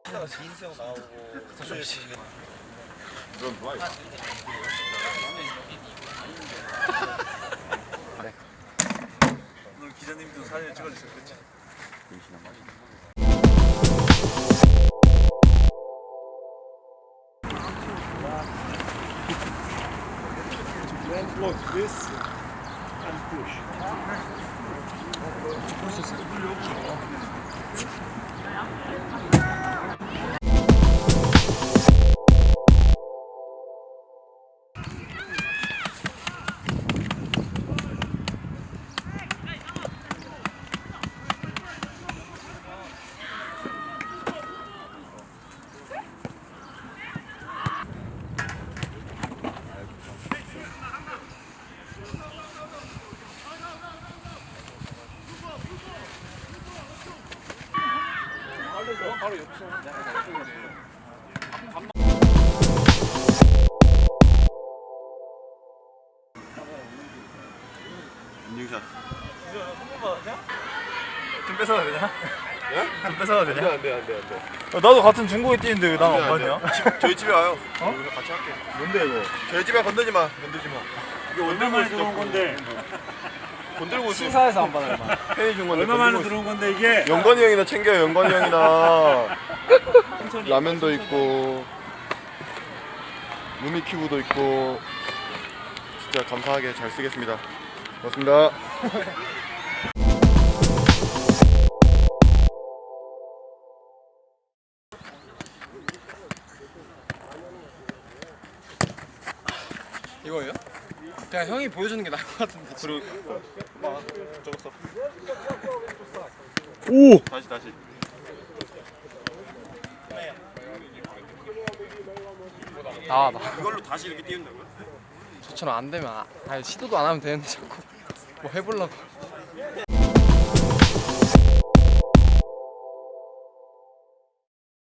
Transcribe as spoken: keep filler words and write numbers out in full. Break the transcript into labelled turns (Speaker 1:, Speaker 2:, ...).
Speaker 1: 인수형 나오고
Speaker 2: 넌 좋아해.
Speaker 1: 네.
Speaker 3: 오늘 기자님도 사진 찍어주세요. 그치?
Speaker 4: Look, this and push.
Speaker 2: 인증샷.
Speaker 3: 좀 뺏어가 되냐?
Speaker 2: 예?
Speaker 3: 좀 뺏어가 되냐?
Speaker 2: 안돼 안돼 안돼.
Speaker 3: 야, 나도 같은 중국에 뛰는데 왜 난 안 봤냐?
Speaker 2: 저희 집에 와요.
Speaker 3: 어?
Speaker 2: 우리가 같이 할게.
Speaker 3: 뭔데 이거?
Speaker 2: 저희 집에 건들지 마. 건들지 마. 이게
Speaker 4: 얼마 만에 들어온 건데?
Speaker 2: 건들고 있어.
Speaker 1: 시사에서 안 받아 얼마.
Speaker 2: 팬이 준 건데.
Speaker 4: 얼마 만에
Speaker 2: 건들고 있어.
Speaker 4: 들어온 건데 이게?
Speaker 2: 영건이 형이나 챙겨요. 영건이 형이나. 라면도 있고 루미큐브도 있고 진짜 감사하게 잘 쓰겠습니다. 고맙습니다.
Speaker 1: 이거예요? 그냥 형이 보여주는 게 나을 것 같은데.
Speaker 2: 그리고 막 적었어.
Speaker 3: 오!
Speaker 2: 다시 다시.
Speaker 1: 나와 나.
Speaker 2: 이걸로 다시 이렇게 띄운다고요?
Speaker 1: 저처럼 안 되면 아, 아니, 시도도 안 하면 되는데 자꾸 뭐 해보려고.